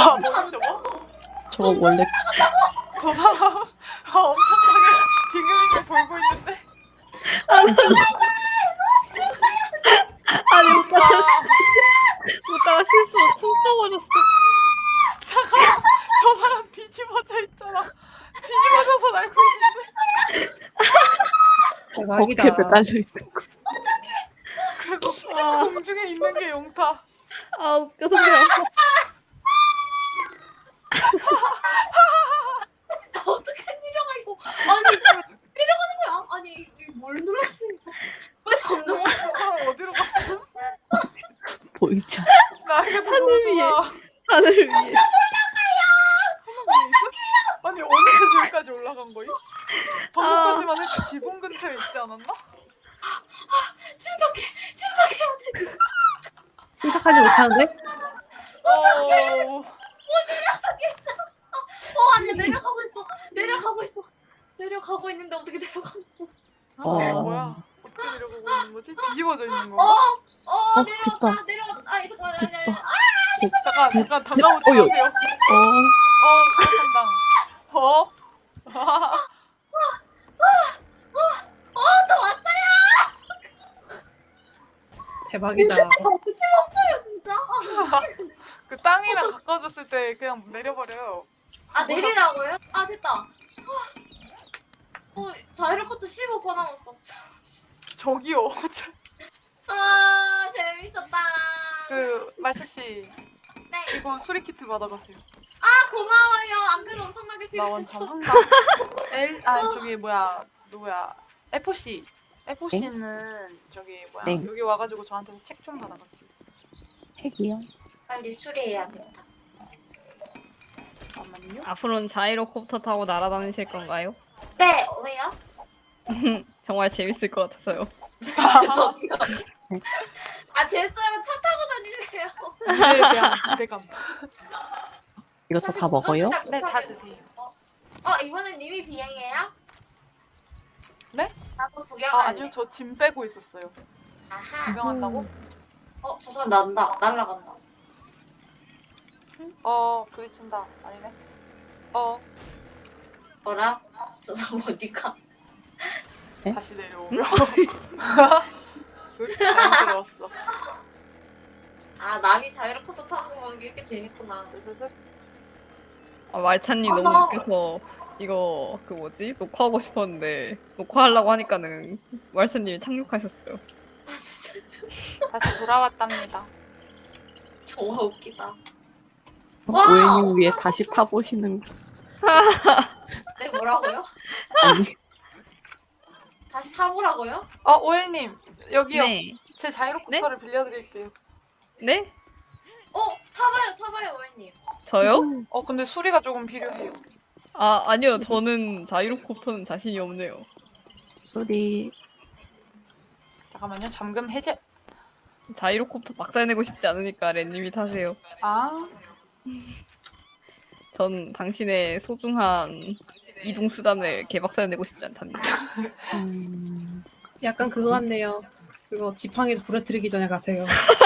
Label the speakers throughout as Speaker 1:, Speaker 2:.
Speaker 1: 아, 뭐야 저거?
Speaker 2: 저거 원래
Speaker 1: 저 사람 엄청나게 빙글빙글 돌고 있는데?
Speaker 3: 아니 오빠가
Speaker 1: 아,
Speaker 3: 실수로 총 쏴버렸어.
Speaker 1: 잠깐만, 저 사람 뒤집어져 있잖아. 뒤집어져서 날고 있는데?
Speaker 3: 대박이다.
Speaker 2: 어깨 매달려 있는 거.
Speaker 1: 그래서
Speaker 3: 아.
Speaker 1: 공중에 있는 게 용타.
Speaker 3: 아 웃겨 소리야.
Speaker 4: 어떻게 내려가고? 아니 내려가는 거야? 아니 이뭘 눌렀으니까 왜 점점
Speaker 1: 저 사람 어디로 갔어?
Speaker 2: 보이지 않아.
Speaker 1: 나에게도
Speaker 3: 하늘 위에.
Speaker 1: 보여줘라.
Speaker 3: 하늘 위에.
Speaker 1: 하늘 위에 있어? 아니 어디서 저기까지 올라간 거임? 방금까지만 해도 지붕 근처에 있지 않았나?
Speaker 4: 침착해야 돼.
Speaker 3: 침착하지 못하는데?
Speaker 1: 어...
Speaker 4: 아니 내려가고 있는데 어떻게 내려가는 거야?
Speaker 1: 뭐야? 어떻게 내려가고 있는 거지? 뒤집어져 있는 건가?
Speaker 2: 됐다.
Speaker 4: 내려가. 아니 잠깐만. 아니, 아니,
Speaker 2: 됐다.
Speaker 1: 잠깐 담가보지
Speaker 2: 어여.
Speaker 1: 마세요. 시작한다.
Speaker 4: 저 왔어요.
Speaker 3: 대박이다.
Speaker 4: 어떻게 멈춰요 진짜?
Speaker 1: 그 땅이랑 가까워졌을 때 그냥 내려버려요.
Speaker 4: 내리라고요? 됐다. 자이로커트 15% 남았어.
Speaker 1: 저기요.
Speaker 4: 재밌었다.
Speaker 1: 그 말차 씨,
Speaker 4: 네.
Speaker 1: 이거 수리 키트 받아가세요.
Speaker 4: 고마워요. 안그래도 엄청나게
Speaker 1: 나 원참
Speaker 4: 필요했어.
Speaker 1: 한강. 저기 누구야? FOC. FOC는 저기
Speaker 2: 네.
Speaker 1: 여기 와가지고 저한테 책 좀 받아가세요.
Speaker 2: 핵이요.
Speaker 4: 빨리 수리해야겠다.
Speaker 1: 잠깐만요.
Speaker 3: 앞으로는 자이로콥터 타고 날아다니실 건가요?
Speaker 4: 네, 왜요?
Speaker 3: 정말 재밌을 것 같아서요.
Speaker 4: 됐어요. 차 타고 다닐래요.
Speaker 1: 미래에 대한 기대감.
Speaker 2: 이거 저 다 먹어요?
Speaker 1: 네, 다 드세요.
Speaker 4: 이번엔 님이 비행해요?
Speaker 1: 네?
Speaker 4: 나도 구경할래.
Speaker 1: 아니요, 저 짐 빼고 있었어요.
Speaker 4: 아하.
Speaker 1: 구경한다고?
Speaker 4: 저 사람 날라간다.
Speaker 1: 부딪힌다. 아니네.
Speaker 4: 뭐라? 저 사람 어디가?
Speaker 1: 다시 내려오며. 자연스러웠어.
Speaker 4: 남이 자이로포터 타는 거 보는 게 이렇게 재밌구나.
Speaker 3: 말차님
Speaker 4: 나-
Speaker 3: 너무 웃겨서 이거 그 뭐지? 녹화하고 싶었는데 녹화하려고 하니까는 말차님이 착륙하셨어요.
Speaker 1: 다시 돌아왔답니다.
Speaker 4: 정말 웃기다. 와!
Speaker 2: 오해님 위해 다시 타보시는 거.
Speaker 4: 네, 뭐라고요?
Speaker 2: 아니,
Speaker 4: 다시 타보라고요?
Speaker 1: 오일님, 여기요.
Speaker 3: 네.
Speaker 1: 제 자이로코터를 빌려드릴게요.
Speaker 3: 네?
Speaker 4: 타봐요, 오해님.
Speaker 3: 저요?
Speaker 1: 근데 수리가 조금 필요해요.
Speaker 3: 아니요. 저는 자이로콥터는 자신이 없네요.
Speaker 2: 소리.
Speaker 1: 잠깐만요. 잠금 해제.
Speaker 3: 자이로콥터 박살내고 싶지 않으니까 렌님이 타세요. 전 당신의 소중한 이동 수단을 개박살내고 싶지 않답니다.
Speaker 5: 약간 그거 같네요. 그거 지팡이 부러뜨리기 전에 가세요.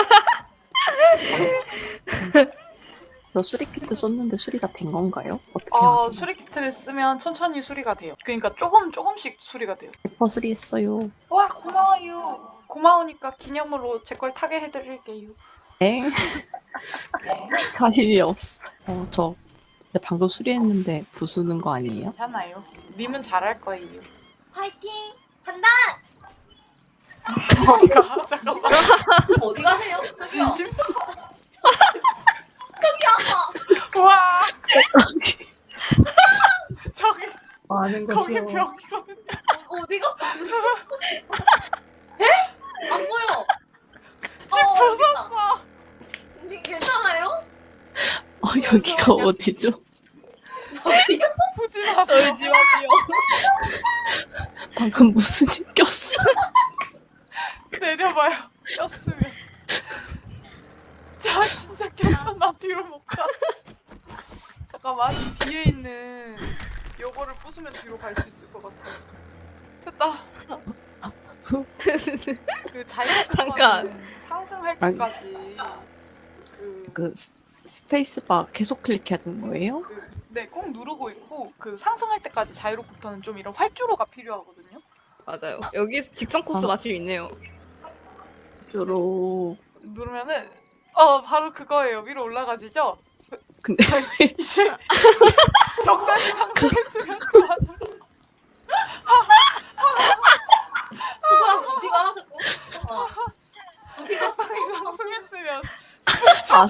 Speaker 2: 저 수리 키트 썼는데 수리가 된 건가요? 어떻게 하나요?
Speaker 1: 수리 키트를 쓰면 천천히 수리가 돼요. 그러니까 조금씩 수리가 돼요.
Speaker 2: 100% 수리했어요.
Speaker 1: 와, 고마워요. 고마우니까 기념으로 제 걸 타게 해드릴게요.
Speaker 2: 에? 자신이 없어. 저 근데 방금 수리했는데 부수는 거 아니에요?
Speaker 1: 괜찮아요. 님은 잘할 거예요.
Speaker 4: 화이팅! 간다!
Speaker 1: 어디가? 잠깐만.
Speaker 4: 어디 가세요? 저기요.
Speaker 1: 진심?
Speaker 4: 저기요.
Speaker 1: 와, 저기
Speaker 5: 많은
Speaker 1: 거기
Speaker 5: 거죠.
Speaker 1: 벽이거든요.
Speaker 4: 어디 갔어? 안 보여.
Speaker 1: 집
Speaker 4: 여기 있다.
Speaker 1: 부쉈어.
Speaker 4: 님 괜찮아요?
Speaker 2: 여기가 어디죠?
Speaker 1: 보지 마세요.
Speaker 2: 방금 무슨 일 꼈어?
Speaker 1: 내려봐요. 꼈으면. 자, 진짜 꼈어. 나 뒤로 못 가. 잠깐만. 뒤에 있는 요거를 부수면 뒤로 갈 수 있을 것 같아. 됐다. 그
Speaker 3: 잠깐.
Speaker 1: 자이로코터는 상승할
Speaker 2: 아니.
Speaker 1: 때까지 그
Speaker 2: 그 스페이스바 계속 클릭해야 되는 거예요?
Speaker 1: 네, 꼭 누르고 있고 그 상승할 때까지 자이로부터는 좀 이런 활주로가 필요하거든요.
Speaker 3: 맞아요. 여기 직선 코스
Speaker 2: 아.
Speaker 3: 마실 있네요.
Speaker 2: 주로
Speaker 1: 누르면은 바로 그거예요. 위로 올라가지죠.
Speaker 2: 근데
Speaker 1: 이제 적당히 상승했으면 그만으로.
Speaker 4: 그 사람 어디가 자꾸? 어디가
Speaker 1: 적당히 상승했으면
Speaker 2: 아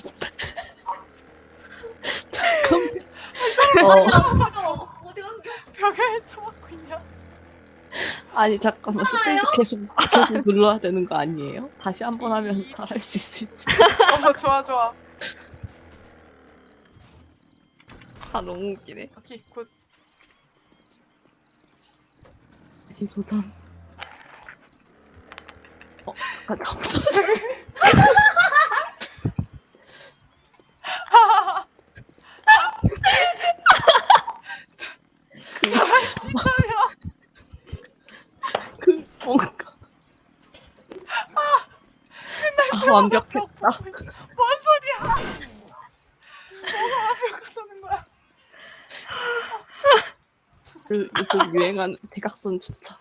Speaker 2: 잠깐
Speaker 4: 어디 갔어?
Speaker 1: 벽에 쳐맞고 있냐?
Speaker 2: 아니 잠깐만 스페이스 계속 눌러야 되는 거 아니에요? 다시 한 번 하면 잘할 수 있을지.
Speaker 1: 좋아 좋아.
Speaker 3: 아 너무 웃기네.
Speaker 1: 오케이 굿.
Speaker 2: 이 도담. 잠깐 감사합니다. 그 뭔가 완벽했다.
Speaker 1: 뭔 소리야? 뭐가 완벽하다는 거야?
Speaker 2: 그 요즘 유행하는 대각선 주차.